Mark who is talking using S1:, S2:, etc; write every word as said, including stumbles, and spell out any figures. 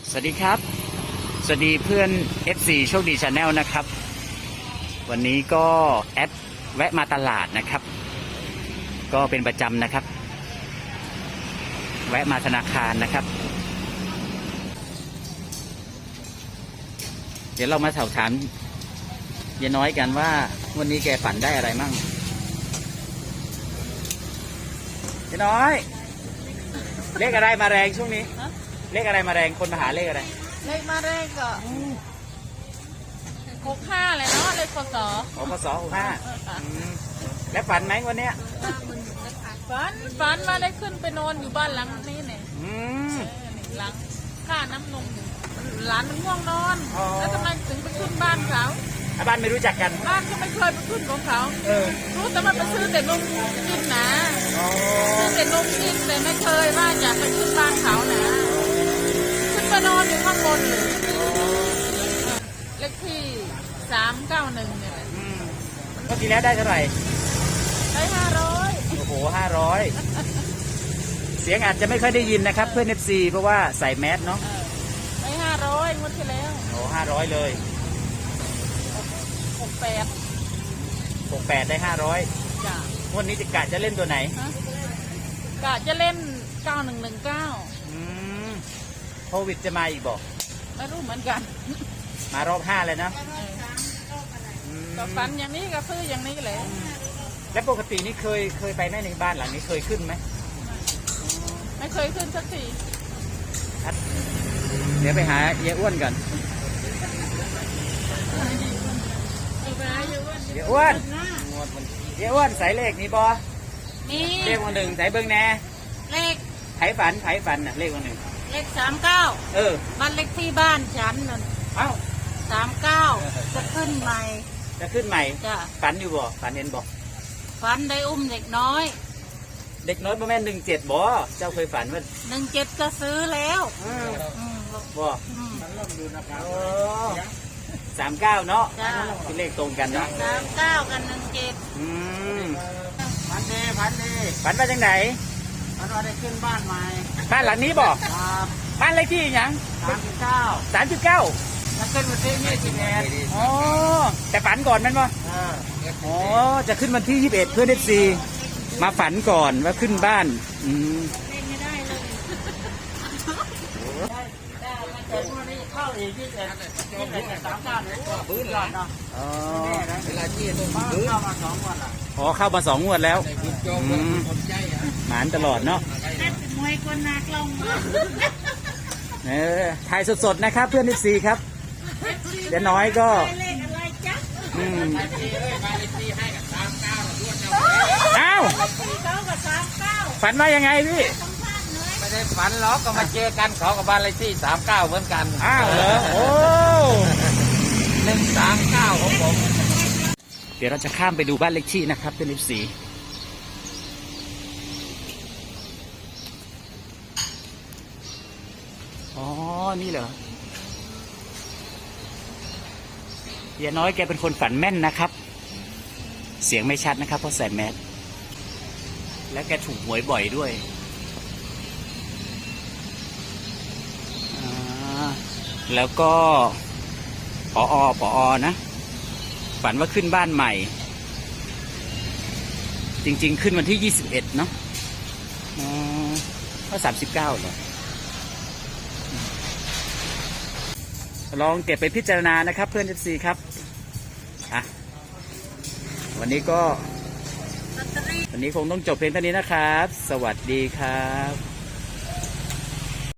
S1: สวัสดีครับสวัสดีเพื่อน เอฟ ซี โชคดี Channel นะครับวันนี้ก็แอดแวะมาตลาดนะครับก็เป็นประจำนะครับแวะมาธนาคารนะครับเดี๋ยวเรามาสอบถามยายน้อยกันว่าวันนี้แกฝันได้อะไรมั่งยายน้อยเลขอะไรมาแรงช่วงนี้เลขอะไรมาแรงคนมาหาเลขอะไร
S2: เลขมาแรกก็หกห้าเลยเนาะเลขพศ
S1: ของพศหกห้าแล้วฝันไหมวันเนี้ย
S2: ฝันฝันมาได้ขึ้นไปนอนอยู่บ้านหลังนี้เนี่ยหลังค่าน้ำนมหลานมันง่วงนอนแล้วทำไมถึงไปขึ้นบ้านเขา
S1: บ้านไม่รู้จักกัน
S2: บ้านก็ไม่เคยไปขึ้นของเขารู้แต่ว่าไปซื้อแต่นมกินนะซื้อแต่นมกินแต่ไม่เคยว่าอยากไปขึ้นบ้านเขานะขึ้นไปนอนอยู่ข้างบนเลยเลขที่สามเก้าหนึ่งเนี่ย
S1: เมื่อกี้แล้วได้เท่าไหร่
S2: ได้ห้าร้อย
S1: โอ้โหห้าร้อยเสียงอาจจะไม่ค่อยได้ยินนะครับเพื่อน เอฟ ซี เพราะว่าใส่แมสเนาะ
S2: ได้ห้าร้อยงวดที่แล้ว
S1: โอ้ห้าร้อยเลย
S2: หกแปด
S1: หกแปดได้ห้าร้อย
S2: จ้ะ
S1: งวดนี้จะกะจะเล่นตัวไหน
S2: กะจะเล่นเก้าหนึ่งหนึ่งเก้า
S1: โควิดจะมาอีกบอก
S2: ไม่รู้เหมือนกัน
S1: มารอบห้าเลยนะ
S2: ก็ฝันอย่างนี้ก็ซื้ออย่างนี้เลย
S1: แล้วปกตินี่เคยเคยไปไหมในบ้านหลังนี้เคยขึ้นไหม
S2: ไม่เคยขึ้นสักที
S1: เดี๋ยวไปหาเยอ้วนก่อนเยอ้วนเยอ้วนใส่เลขนี้บอ
S2: นี่
S1: เลขวันหนึ่งใส่เบิ้งแน่
S2: เลข
S1: ไผ่ฝันไผ่ฝันน่ะเลขวันหนึ่ง
S2: เลขสามเก้า
S1: เออ
S2: บ้านเลขที่บ้านฉันนั่น
S1: เอ้า
S2: สามเก้าจะขึ้นใหม่
S1: จะขึ้นใหม่
S2: จ้ะ
S1: ฝันอยู่บ่ฝันเห็นบ่
S2: ฝันได้อุ้มเด็กน้อย
S1: เด็กน้อยประมาณหนึ่งเจ็ดบ่เจ้าเคยฝันว่า
S2: หนึ่งเจ็ดก็ซื้อแล้ว
S1: บ่สามเก้าเนาะคือเลขตรงกันเนาะ
S2: สามเก้ากันหนึ่งเจ็ด
S1: อืมฝันดีฝันดีฝันว่าจังไหน
S2: ฝันว่าได้ขึ้นบ้านใหม่
S1: บ้านหลังนี้บ่บ้านเลขที่ยัง
S2: สามสิบเก้า
S1: สามสิบเก้า
S2: แล้วขึ้นวันที่ยี่สิบเอ็ด
S1: อ๋อแต่ฝันก่อนมันบ่อ๋อจะขึ้นวันที่ยี่สิบเอ็ดเพื่อนเอฟซีมาฝันก่อนว่าขึ้นบ้านอืม
S2: ไม่ได้เลยเข้าอีกที่เอ็ดที่เอ็ดสามเก้าเลยพื้นหลอดเนาะ
S1: อ๋อ
S2: เวลาที่เข้ามาสองวันละ
S1: อ๋อเข้ามาสองงวดแล้วหมานตลอดเนาะ
S2: มวยคนนักลง
S1: เออถ่ายสดๆนะครับเพื่อนเอฟซีครับเดี๋ยวน้อยก็อืมอ้าวฝันว่ายังไงพี่
S2: ไม่ได้ฝันหรอกก็มาเจอกันเขากับบ้านเลขที่สามเก้าเหมือนกัน
S1: อ้าวเหรอโอ้
S2: หนึ่งสามเก้าของผม
S1: เดี๋ยวเราจะข้ามไปดูบ้านเลขที่นะครับเป็นเลขสี่อ๋อนี่เหรอเยน้อยแกเป็นคนฝันแม่นนะครับเสียงไม่ชัดนะครับเพราะใส่แมสและแกถูกหวยบ่อยด้วยแล้วก็ปอปอนะฝันว่าขึ้นบ้านใหม่จริงๆขึ้นวันที่ยี่สิบเอ็ดเนาะอ๋อก็สามสิบเก้าเหรอลองเก็บไปพิจารณานะครับเพื่อน เอฟ ซี ครับอ่ะวันนี้ก็วันนี้คงต้องจบเพียงเท่านี้นะครับสวัสดีครับ